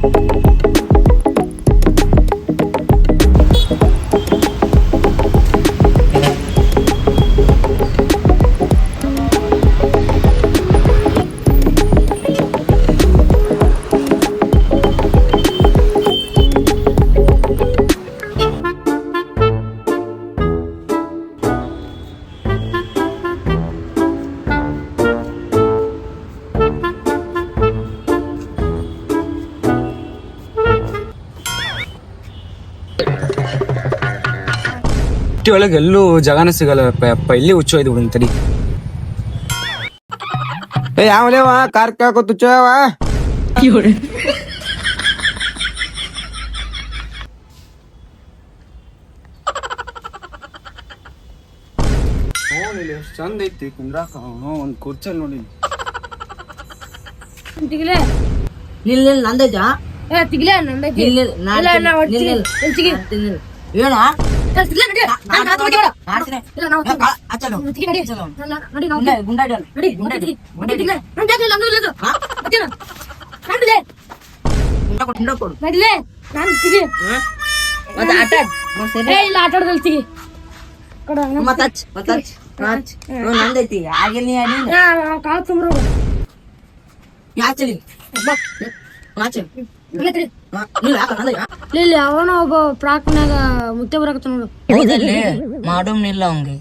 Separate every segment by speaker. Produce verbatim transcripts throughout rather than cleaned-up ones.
Speaker 1: ಒಳಗೆ ಎಲ್ಲೂ ಜಗನ ಸಿಗಲ್ಲ ಅಪ್ಪ. ಇಲ್ಲಿ ಹುಚ್ಚೋಯ್ದು ಬಿಡು ತಡಿ. ಏ ಯಾವಲೇವ ಕಾರ್ ಕೇಳ್ಕೊ ತುಚ್ಚವ ನೋಡಿ ಎಷ್ಟು ಚಂದ ಐತಿ ಕುಂದ್ರಾಕ. ಒಂದ್ ಕುರ್ಚಲ್ ನೋಡಿ
Speaker 2: ತಿಗ್ಲೆ
Speaker 3: ನಿಲ್ ನಿಲ್ ನಂದೈತಾ
Speaker 2: ಏ ತಿಗ್ಲೆ ನಂದೈತಿ.
Speaker 3: ನಿಲ್ ನಿಲ್
Speaker 2: ಇಲ್ಲ ನಾ ಹೊಡ್ತೀನಿ ಎಲ್ಚಿಗೆ
Speaker 3: ನಿಲ್ ಏನ
Speaker 2: ತಿಗ್ಲೆ ನಡಿ ನಾನು ಕಾತು ಬಿಡ
Speaker 3: ಮಾಡ್ತೀನಿ
Speaker 2: ಇಲ್ಲ ನಾವು
Speaker 3: ಅಚ್ಚಲು
Speaker 2: ತಿಗ್ಲೆ ನಡಿ
Speaker 3: ಅಚ್ಚಲು
Speaker 2: ನಡಿ ನಾವು
Speaker 3: ಗುಂಡ ಗುಂಡಾಡಿ
Speaker 2: ನಡಿ ಗುಂಡಾಡಿ ಗುಂಡಾಡಿ ತಿಗ್ಲೆ ನಾನು ಜಾಗಲ್ಲ ನಾನು ಇಲ್ಲ ಹಾ ಬತ್ತಿನ ನಡಿಲೆ
Speaker 3: ಗುಂಡ ಕೊಡು ಗುಂಡ ಕೊಡು
Speaker 2: ನಡಿಲೆ ನಾನು ತಿಗಿ
Speaker 3: ಮತ್ತೆ ಆಟ
Speaker 2: ಏ ಇಲ್ಲ ಆಟ ಆಡದಲ್ಲಿ ತಿಗಿ ಕೊಡ
Speaker 3: ಮತ್ತೆ ಹಚ್ ಮತ್ತೆ ಹಚ್ ಹಚ್ ನಂದೈತಿ ಆಗಿಲ್ಲ ನೀ ಅಡಿ
Speaker 2: ಯಾ ಕಾತು ತುಂಬ್ರು
Speaker 3: ಯಾಚಲಿ ಬಾ ಆಚೆ ನೀವು ಯಾಕ ನಂದೈ
Speaker 2: ಇಲ್ಲಿ ಅವನ ಒಬ್ಬ ಪ್ರಾಕ್ನಾಗ ಮುತ್ತೆ ಬರಕತ್ತ ನೋಡು.
Speaker 3: ಹೌದಲ್ಲಿ ಮಾಡೋಮ್ನಿಲ್ಲ ಅವಂಗೆ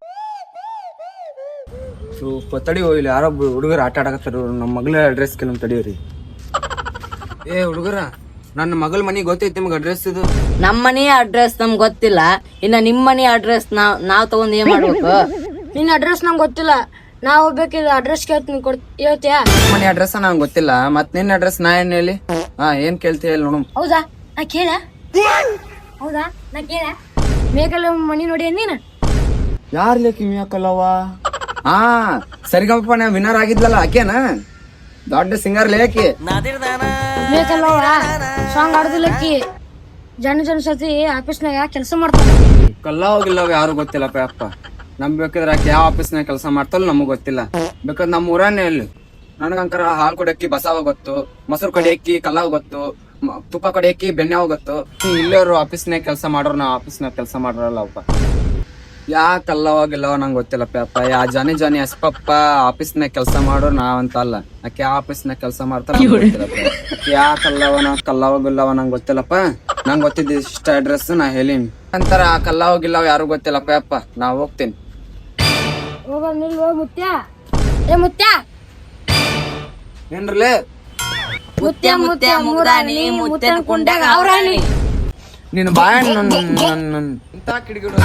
Speaker 1: ಸ್ವಲ್ಪ ತಡಿ ಇಲ್ಲಿ ಯಾರೊಬ್ಬ ಹುಡುಗರು ಆಟ ಆಡಕತ್ತಾರ. ನಮ್ಮ ಮಗಳ ಅಡ್ರೆಸ್ ಕೆಲವು ತಡಿಯೋರಿ. ಏ ಹುಡುಗರ ನನ್ನ ಮಗಳ ಮನಿ ಗೊತ್ತೈತಿ ನಿಮ್ಗೆ ಅಡ್ರೆಸ್ ಇದು?
Speaker 3: ನಮ್ಮ ಮನೆ ಅಡ್ರೆಸ್ ನಮ್ಗೆ ಗೊತ್ತಿಲ್ಲ, ಇನ್ನ ನಿಮ್ಮ ಮನೆ ಅಡ್ರೆಸ್ ನಾವ್ ನಾವ್ ತಗೊಂಡ್ ಏನ್ ಮಾಡ್ಬೇಕು?
Speaker 2: ನಿನ್ನ ಅಡ್ರೆಸ್ ನಂಗೆ ಗೊತ್ತಿಲ್ಲ, ನಾ ಹೋಗ್ಬೇಕಿದ್ರೆ ಅಡ್ರೆಸ್ ಕೇಳ್ತೀನಿ ಕೊಡ್ ಹೇಳ್ತೀಯಾ?
Speaker 1: ಮನಿ ಅಡ್ರೆಸ್ ನಂಗೆ ಗೊತ್ತಿಲ್ಲ, ಮತ್ ನಿನ್ನ ಅಡ್ರೆಸ್ ನಾ ಏನ್ ಹೇಳಿ? ಹಾ ಏನ್ ಕೇಳ್ತೀಯ ಹೇಳಿ ನೋಡು.
Speaker 2: ಹೌದಾ ನಾ ಕೇಳ ಹೌದಾ ನಾ ಕೇಳ ಮೇಕಲ್ಲ ಮನಿ ನೋಡಿ ನೀನ
Speaker 1: ಯಾರ್ ಲೇಕಿ ಮಿಯಾಕಲ್ಲವ? ಹಾ ಸರಿಗಪ್ಪ ನಾ ವಿನ್ನರ್ ಆಗಿದ್ಲಲ್ಲ ಆಕೆನಾ? ದೊಡ್ಡ ಸಿಂಗರ್ ಲೇಕಿ
Speaker 2: ಮೇಕಲ್ಲವ ಸಾಂಗ್ ಆಡುದಿಲ್ಲಕ್ಕಿ ಜನ ಜನ ಸತಿ ಆಫೀಸ್ನಾಗ ಕೆಲಸ ಮಾಡ್ತಾರ.
Speaker 1: ಕಲ್ಲ ಹೋಗಿಲ್ಲವ ಯಾರು ಗೊತ್ತಿಲ್ಲಪ್ಪ ಅಪ್ಪ. ನಮ್ ಬೇಕಿದ್ರೆ ಆಕೆ ಯಾವ ಆಫೀಸ್ನಾಗ ಕೆಲಸ ಮಾಡ್ತಲ್ಲ ನಮಗ್ ಗೊತ್ತಿಲ್ಲ. ಬೇಕಾದ್ರೆ ನಮ್ಮ ಊರನ್ನೇ ಹೇಳಿ. ನನಗಂಕರ ಹಾಲು ಕೊಡಕ್ಕಿ ಬಸಾವ ಗೊತ್ತು, ಮೊಸರು ಕಡಿಯಕ್ಕಿ ಕಲ್ಲಾವ್ ಗೊತ್ತು, ತುಪ್ಪ ಕಡಿಯಕ್ಕಿ ಬೆಣ್ಣೆ ಗೊತ್ತು. ಇಲ್ಲೋರು ಆಫೀಸ್ನಾಗ ಕೆಲಸ ಮಾಡೋರು ನಾವ್ ಆಫೀಸ್ನಾಗ ಕೆಲಸ ಮಾಡೋರಲ್ಲ ಅಪ್ಪ. ಯಾ ಕಲ್ಲವಾಗಿಲ್ಲವ ನಂಗೆ ಗೊತ್ತಿಲ್ಲಪ್ಪ ಅಪ್ಪ. ಯಾ ಜಾನಿ ಜಾನಿ ಎಸ್ಪಪ್ಪ ಆಫೀಸ್ನಾಗ ಕೆಲಸ ಮಾಡೋರು ನಾವಂತ ಅಲ್ಲ. ಆಕೆ ಯಾವ ಆಫೀಸ್ನಾಗ ಕೆಲಸ ಮಾಡ್ತಾರ ಯಾ ಕಲ್ಲವನ ಕಲ್ಲವಾಗಿಲ್ಲವ ನಂಗೆ ಗೊತ್ತಿಲ್ಲಪ್ಪ. ನಂಗೆ ಗೊತ್ತಿದ್ದ ಇಷ್ಟ ಅಡ್ರೆಸ್ ನಾ ಹೇಳೀನಿ ಅಂತಾರ. ಆ ಕಲ್ಲವಾಗಿಲ್ಲವ ಯಾರು ಗೊತ್ತಿಲ್ಲಪ್ಪ ಅಪ್ಪ. ನಾ ಹೋಗ್ತೀನಿ.
Speaker 2: ಹೋಗ ನಿಲ್ವ ಮುತ್ಯ. ಏ ಮುತ್ಯ
Speaker 1: ಏನ್ರಲೇ?
Speaker 3: ಮುತ್ಯ ಮುತ್ಯ ಮುಗ್ದಾನಿ ಮುತ್ಯನ ಕುಂಡಾಗ ಅವ್ರಾಣಿ
Speaker 1: ನೀನು ಬಾಯ ಇಂತ ಕಿಡಿಗಿಡು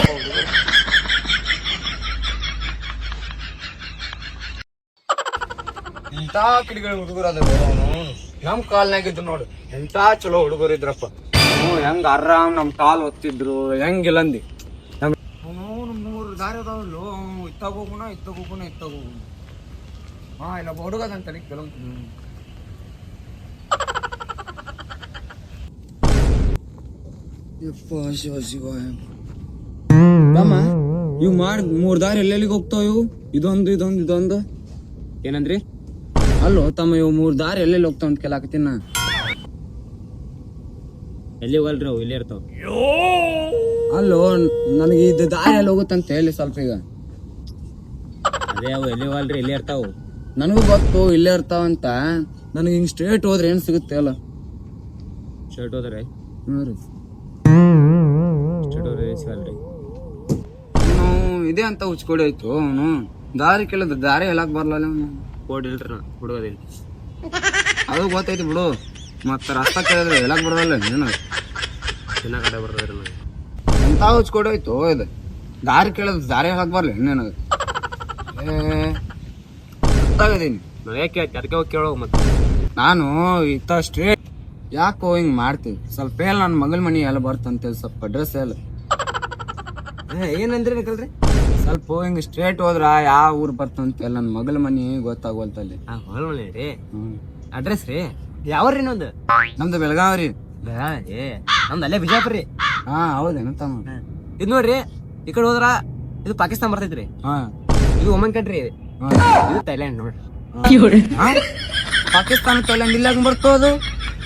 Speaker 1: ಇಂತ ಕಿಡಿಗಳು ಹುಡುಗರು ಅದ ನಮ್ ಕಾಲ್ನಾಗಿದ್ರು ನೋಡು. ಎಂತ ಚಲೋ ಹುಡುಗರು ಇದ್ರಪ್ಪ. ಹ್ಮ್ ಹೆಂಗ ಆರಾಮ್ ನಮ್ ಕಾಲ್ ಒತ್ತಿದ್ರು ಹೆಂಗಿಲ್ಲಂದಿ. ಮೂರು ದಾರಿ ಅದಾವಲ್ಲೋ, ಇತ್ತಾಗ ಹೋಗುಣ ಇತ್ತಾಗ ಹೋಗುಣ ಇತ್ತಾಗ ಹೋಗುಣ. ಹಾ ಇಲ್ಲ ಹುಡುಗದಂತ ಕೆಲವು ಶಿವ ಶಿವ ತಮ್ಮ ಇವ್ ಮಾಡ್ ಮೂರ್ ದಾರಿ ಎಲ್ಲೆಲ್ಲಿಗೆ ಹೋಗ್ತಾವ ಇವು? ಇದೊಂದು ಇದೊಂದು ಇದೊಂದು ಏನಂದ್ರಿ? ಅಲ್ಲೋ ತಮ್ಮ ಇವು ಮೂರ್ ದಾರಿ ಎಲ್ಲೆಲ್ಲಿ ಹೋಗ್ತಾವ ಅಂತ ಕೇಳಾಕತ್ತೀನಿ ನಾ.
Speaker 4: ಎಲ್ಲಿ ಹೋಗಲ್ರಿ ಅವು ಇಲ್ಲೇ ಇರ್ತಾವ.
Speaker 1: ಅಲ್ಲೋ ನನಗೆ ಇದು ದಾರಿ ಎಲ್ಲಿ ಹೋಗುತ್ತಂತ ಹೇಳಿ ಸ್ವಲ್ಪ ಈಗ.
Speaker 4: ಅದೇ ಅವು ಎಲ್ಲಿ ಹೋಗಲ್ರಿ ಇಲ್ಲೇ ಇರ್ತಾವ.
Speaker 1: ನನಗೂ ಗೊತ್ತು ಇಲ್ಲೇ ಇರ್ತಾವಂತ. ನನಗೆ ಹಿಂಗ್ ಸ್ಟ್ರೇಟ್ ಹೋದ್ರೆ ಏನ್ ಸಿಗುತ್ತೆ ಅಲ್ಲ?
Speaker 4: ಶರ್ಟ್ ಹೋದ್ರೆ
Speaker 1: ಹ್ಞೂ ರೀ
Speaker 4: ಶರ್ಟ್ ಹೋದ್ರೆ ಸಿಗಲ್ರಿ.
Speaker 1: ಅವನು ಇದೆ ಅಂತ ಹುಚ್ಕೊಡಿ ಆಯ್ತು. ಅವನು ದಾರಿ ಕೇಳಿದ್ರೆ ದಾರಿ ಹೇಳಕ್ ಬರ್ಲ ಅವನು.
Speaker 4: ಕೋಡ್ ಇಲ್ರಿ ನಾ ಹುಡುಗದಿಲ್ಲ.
Speaker 1: ಅದು ಗೊತ್ತೈತಿ ಬಿಡು. ಮತ್ತ ರಸ್ತ ಕೇಳಿದ್ರೆ ಹೇಳಕ್ ಬರೋಲ್ಲ ನೀನು.
Speaker 4: ಚಿನ್ನ ಕಡೆ ಬರ್ತದ್ರಿ ನನಗೆ.
Speaker 1: ಎಂತ ಹುಚ್ಕೊಡಿ ಆಯ್ತು ಇದು. ದಾರಿ ಕೇಳಿದ್ರೆ ದಾರಿ ಹೇಳಕ್ ಬರ್ಲಿ ನಿನಗೆ. ಏ ಗೊತ್ತಾಗದೀನಿ
Speaker 4: ನಾನು ಯಾಕೆ ಅದಕ್ಕೆ ಹೋಗಿ ಕೇಳೋ ಮತ್ತೆ.
Speaker 1: ನಾನು ಇತ್ತ ಸ್ಟ್ರೇಟ್ ಯಾಕೋ ಹಿಂಗ್ ಮಾಡ್ತೀವಿ. ಸ್ವಲ್ಪ ಹೇಳ ನನ್ನ ಮಗಳ ಮನಿ ಎಲ್ಲ ಬರ್ತಂತ ಸ್ವಲ್ಪ ಅಡ್ರೆಸ್ ಹೇಳ.
Speaker 4: ಏನಂದ್ರಿ ನಿಕಲ್ರಿ?
Speaker 1: ಸ್ವಲ್ಪ ಹಿಂಗ್ ಸ್ಟ್ರೇಟ್ ಹೋದ್ರ ಯಾವ ಊರ್ ಬರ್ತಂತ ಹೇಳ. ನನ್ನ ಮಗಳ ಮನಿ ಗೊತ್ತಾಗೋಲ್ತಲ್ಲಿ.
Speaker 4: ಹಾ ಹೊಲ್ ಮನೆ ರೀ.
Speaker 1: ಹ್ಮ್
Speaker 4: ಅಡ್ರೆಸ್ ರೀ ಯಾವ್ರಿ ಇನ್ನೊಂದು?
Speaker 1: ನಮ್ದು ಬೆಳಗಾವ್ ರೀ.
Speaker 4: ಏ ನಮ್ದು ಅಲ್ಲೇ ಬಿಜಾಪುರ ರೀ.
Speaker 1: ಹಾ ಹೌದೇನ ತಮ್ಮ?
Speaker 4: ಇದು ನೋಡ್ರಿ ಈ ಕಡೆ ಹೋದ್ರ ಇದು ಪಾಕಿಸ್ತಾನ ಬರ್ತೈತ್ರಿ.
Speaker 1: ಹಾ
Speaker 4: ಇದು ಒಮನ್ ಕಂಟ್ರಿ.
Speaker 1: ಹಾ.
Speaker 4: ಇದು ಥೈಲ್ಯಾಂಡ್ ನೋಡ್ರಿ.
Speaker 1: ಪಾಕಿಸ್ತಾನ ಥೈಲ್ಯಾಂಡ್ ಇಲ್ಲ ಬರ್ತೋದು.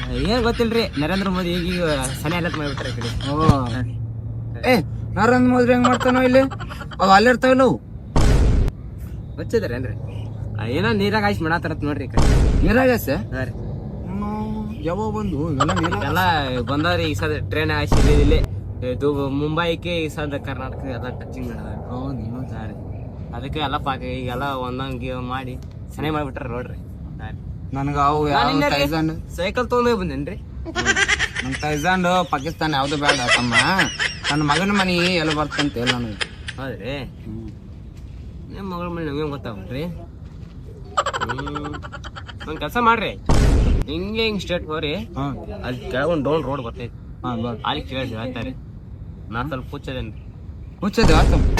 Speaker 4: ಏನ್ ಗೊತ್ತಿಲ್ರಿ ನರೇಂದ್ರ ಮೋದಿ ಈಗ ಸನಿ ಅಲರ್ಟ್ ಮಾಡ್ಬಿಟ್ರೆ ಕಡೆ.
Speaker 1: ಓ ಏ ನರೇಂದ್ರ ಮೋದಿ ಹೆಂಗ್ ಮಾಡ್ತಾನೋ ಇಲ್ಲಿ ಅವ್ ಅಲ್ಲಿರ್ತಾವಿಲ್ಲ ಅವು
Speaker 4: ಗೊತ್ತಿದ್ರೇನ್ರಿ ಏನೋ ನೀರಾಗ ಹಾಯಿಸಿ ಮಾಡತ್ತಾರತ್ ನೋಡ್ರಿ ಈ ಕಡೆ.
Speaker 1: ನೀರಾಗಸೆ
Speaker 4: ಹಾ ರೀ
Speaker 1: ಯಾವಾಗ ಬಂದು ಎಲ್ಲ ನೀರಾಗ
Speaker 4: ಎಲ್ಲ ಬಂದವ್ರಿ ಈಗ ಸದ ಟ್ರೈನ್ ಹಾಯಿಸಿ ಇಲ್ಲಿ ಇದು ಮುಂಬೈಗೆ ಈ ಸದ ಕರ್ನಾಟಕ ಎಲ್ಲ ಟಚಿಂಗ್ ಮಾಡಿದಾರೆ. ಅದಕ್ಕೆ ಎಲ್ಲ ಪಾಕ ಈಗೆಲ್ಲ ಒಂದೊಂದು ಮಾಡಿ ಸನಿ ಮಾಡ್ಬಿಟ್ರ ನೋಡ್ರಿ.
Speaker 1: ನನಗ ಅವು ಯಾವ ತೈಜಾಂಡ್
Speaker 4: ಸೈಕಲ್ ತೊಗೊಂಡೇ ಬಂದೇನ್ರಿ.
Speaker 1: ನನ್ ತೈಜಾಂಡ್ ಪಾಕಿಸ್ತಾನ ಯಾವ್ದು ಬೇಡ ತಮ್ಮ, ನನ್ನ ಮಗನ ಮನಿ ಎಲ್ಲ ಬರ್ತಂತ ಹೇಳ ನನಗೆ.
Speaker 4: ಹೌದ್ರಿ ನಿಮ್ಮ ಮಗಳ ಮನೆ ನಮ್ಗೆ ಗೊತ್ತಾಗ್ರಿ. ಹ್ಮ್ ಒಂದ್ ಕೆಲಸ ಮಾಡ್ರಿ, ಹಿಂಗೆ ಹಿಂಗ್ ಸ್ಟೇಟ್ ಹೋರಿ, ಅಲ್ಲಿ ಕೆಳಗೊಂದು ಡೌನ್ ರೋಡ್ ಬರ್ತೈತಿ, ಅಲ್ಲಿ ಕೇಳಿ ಹೇಳ್ತಾರೆ. ನಾ ಸ್ವಲ್ಪ ಹುಚ್ಚದೇನ್ರಿ.
Speaker 1: ಹುಚ್ಚದ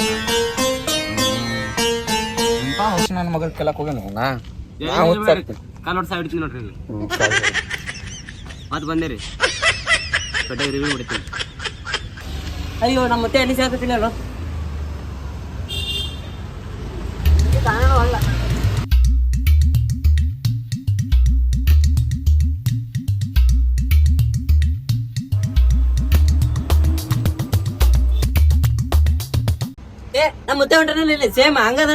Speaker 1: ನನ್ನ ಮಗಳ ಕೆಳಕ್ ಹೋಗ್ಯಾನ
Speaker 4: ಕಾಲ್ ಹೊಡ್ಸ ಹಿಡ್ತೀನಿ ನೋಡ್ರಿ. ಮತ್ ಬಂದೇರಿ ಕಡೆ ರಿವ್ಯೂ ಬಿಡ್ತೀನಿ. ಅಯ್ಯೋ ನಮ್ಮ ಮತ್ತೆ ಎಲ್ಲಿ ಸೇರ್ತೀನಿ ಅಲ್ಲ. ಏ ನಮ್ಮ ಮುತ್ತೆ ಹೊಂಟ್ರಲ್ಲಿ ಸೇಮ್ ಹಂಗದ.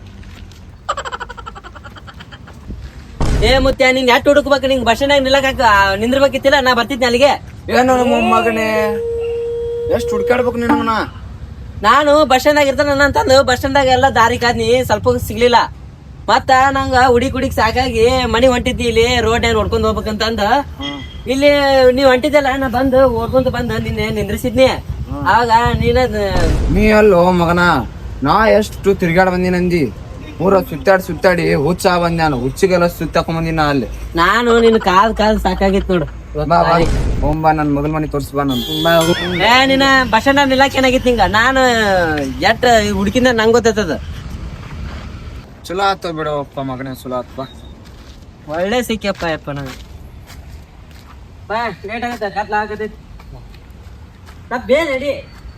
Speaker 4: ಏ ಮುತ್ಯ ನಿನ್ ಎಟ್ ಹುಡುಕ್ಬೇಕು, ನಿಂಗ್ ಬಸ್ ಸ್ಟ್ಯಾಂಡ್ ನಿಲ್ಲಕ ನಿಂದ್ರಬೇಕಿತ್ತಿಲ್ಲ, ನಾ ಬರ್ತಿದ್ನಿ ಅಲ್ಲಿಗೆ.
Speaker 1: ಏನು ನಮ್ಮ ಮಗನೇ ಎಷ್ಟು ಹುಡ್ಕಾಡ್ಬೇಕು ನಿನ್ನ.
Speaker 4: ನಾನು ಬಸ್ ಸ್ಟ್ಯಾಂಡ್ ಇರ್ತಾನ ಅಂತಂದು ಬಸ್ ಸ್ಟ್ಯಾಂಡ್ ಎಲ್ಲ ದಾರಿ ಕಾದ್ನಿ, ಸ್ವಲ್ಪ ಸಿಗ್ಲಿಲ್ಲ. ಮತ್ತ ನಂಗ ಹುಡುಕ್ ಹುಡುಕ್ ಸಾಕಾಗಿ ಮನಿ ಹೊಂಟಿದ್ದಿ, ಇಲ್ಲಿ ರೋಡ್ ಏನ್ ಹೊಡ್ಕೊಂಡ್ ಹೋಗ್ಬೇಕಂತಂದ ಇಲ್ಲಿ ನೀವ್ ಹೊಂಟಿದ್ದಲ್ಲ, ನಾ ಬಂದು ಓಡ್ಕೊಂತ ಬಂದ ನಿನ್ನೆ ನಿಂದ್ರಿಸಿದ್ನಿ. ಆಗ ನೀನ
Speaker 1: ನೀ ಅಲ್ಲೋ ಮಗನ, ನಾ ಎಷ್ಟು ತಿರ್ಗಾಡ್ ಬಂದಿ ನಂದಿ, ಊರ ಸುತ್ತಾಡಿ ಸುತ್ತಾಡಿ ಹುಚ್ಚ ಬಂದ, ನಾನು ಹುಚ್ಚಿಗೆಲ್ಲ ಸುತ್ತಾಕೊಂಡ್ ಬಂದಿನ ಅಲ್ಲಿ.
Speaker 4: ನಾನು ನಿನ್ ಕಾಲ್ ಕಾಲ್ ಸಾಕಾಗಿತ್ ನೋಡು.
Speaker 1: ಹೋಗ್ಬಾ ನನ್ ಮಗಲ್ ಮನಿ ತೋರ್ಸ್ ಬಾ ನನ್.
Speaker 4: ಏ ನೀನ ಬಸ್ ಸ್ಟ್ಯಾಂಡ್ ನಿಲ್ಲಾಕ ಏನಾಗಿತ್ತು ಹಿಂಗ, ನಾನು ಎಟ್ ಹುಡುಕಿಂದ ನಂಗ್ ಗೊತ್ತೈತದ.
Speaker 1: ಚಲೋ ಆತ ಬಿಡಪ್ಪ ಮಗನೇ, ಚಲೋ ಆತಪ್ಪ.
Speaker 4: ಒಳ್ಳೆ ಸಿಕ್ಕಪ್ಪ ಯಪ್ಪ ನಂಗೆ. ಬಾ ಲೇಟ್ ಆಗತ್ತ, ಕತ್ಲ ಆಗತೈತಿ. ನಾ ಬೇ ನಡಿ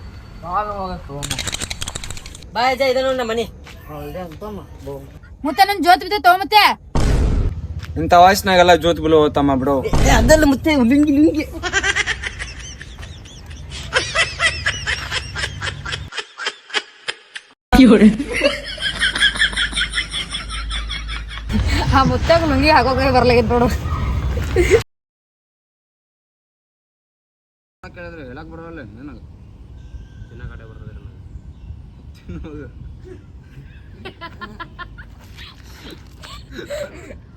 Speaker 4: ಬಾ ಅಜ್ಜ, ಇದ ನೋಡ್ ನಮ್ಮ ಮನಿ.
Speaker 2: ಮುತ್ತೆ ನನ್ ಜೋತ್ ಬಿದ್ದೆ ತಗೋ ಮುತ್ತೆ.
Speaker 1: ಇಂಥ ವಯಸ್ಸಿನಾಗೆಲ್ಲ ಜೋತ್ ಬಿಲು ತಮ್ಮ ಬಿಡು.
Speaker 4: ಅದಲ್ಲ ಮುತ್ತೆ ಲುಂಗಿ ಲುಂಗಿ.
Speaker 2: ಆ ಮುತ್ತಾಗ ಲುಂಗಿ ಹಾಕೋಕೆ ಬರ್ಲಾಗಿತ್ ನೋಡು.
Speaker 1: ಕೇಳಿದ್ರೆ ಹೇಳಕ್ ಬರೋಲ್ಲ ನನಗ.
Speaker 4: ತಿನ್ನ ಕಡೆ ಬರ್ತದೆ
Speaker 1: ತಿನ್ನೋದು